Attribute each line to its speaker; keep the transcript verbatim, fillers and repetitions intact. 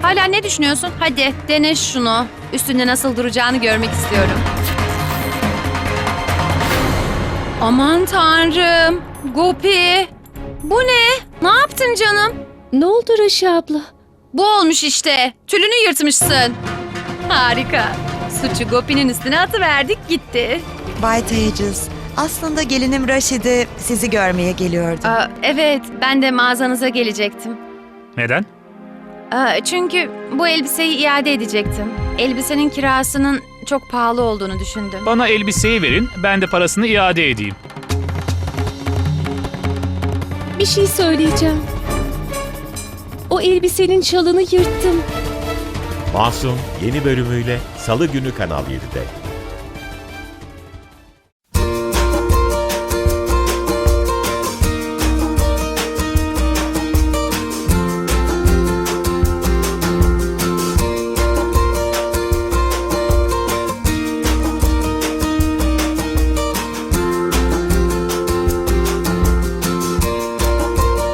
Speaker 1: Hala ne düşünüyorsun? Hadi dene şunu. Üstünde nasıl duracağını görmek istiyorum. Aman tanrım. Gopi. Bu ne? Ne yaptın canım?
Speaker 2: Ne oldu Raşi abla?
Speaker 1: Bu olmuş işte. Tülünü yırtmışsın. Harika. Suçu Gopi'nin üstüne atıverdik gitti.
Speaker 3: Bay Tejas, aslında gelinim Raşidi sizi görmeye geliyordu.
Speaker 1: Aa, evet, ben de mağazanıza gelecektim.
Speaker 4: Neden?
Speaker 1: Aa, çünkü bu elbiseyi iade edecektim. Elbisenin kirasının çok pahalı olduğunu düşündüm.
Speaker 4: Bana elbiseyi verin, ben de parasını iade edeyim.
Speaker 2: Bir şey söyleyeceğim. O elbisenin çalını yırttım.
Speaker 5: Masum yeni bölümüyle Salı günü Kanal yedide.